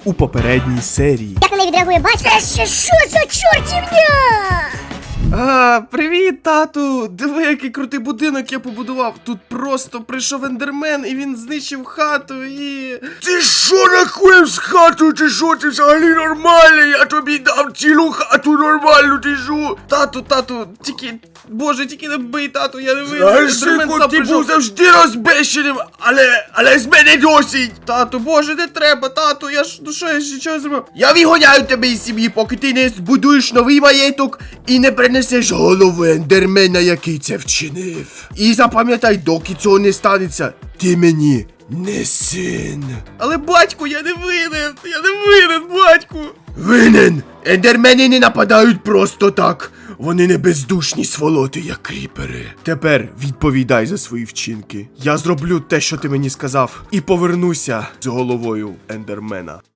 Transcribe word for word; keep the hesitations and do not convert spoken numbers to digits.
у попередній серії. Як на неї відреагує батько? Це ще що за чортівня? А, привіт, тату! Диви, який крутий будинок я побудував. Тут просто прийшов ендермен і він знищив хату і... Ти що нахуєв з хатою? Ти що? Ти взагалі нормальний? Я тобі дав цілу хату нормальну, ти що? Тату, тату, тільки... Боже, тільки не бий, тату, я не вийду. Знаєш, синку, ти був завжди розбещеним, але, але з мене досить. Тату, боже, не треба, тату, я ж, ну що, я ще чого зробив? Я вигоняю тебе із сім'ї, поки ти не збудуєш новий маєток і не принесеш голову ендермена, який це вчинив. І запам'ятай, доки цього не станеться, ти мені не син. Але, батьку, я не винен, я не винен, батьку. Винен! Ендермени не нападають просто так. Вони не бездушні сволоти, як кріпери. Тепер відповідай за свої вчинки. Я зроблю те, що ти мені сказав, і повернуся з головою ендермена.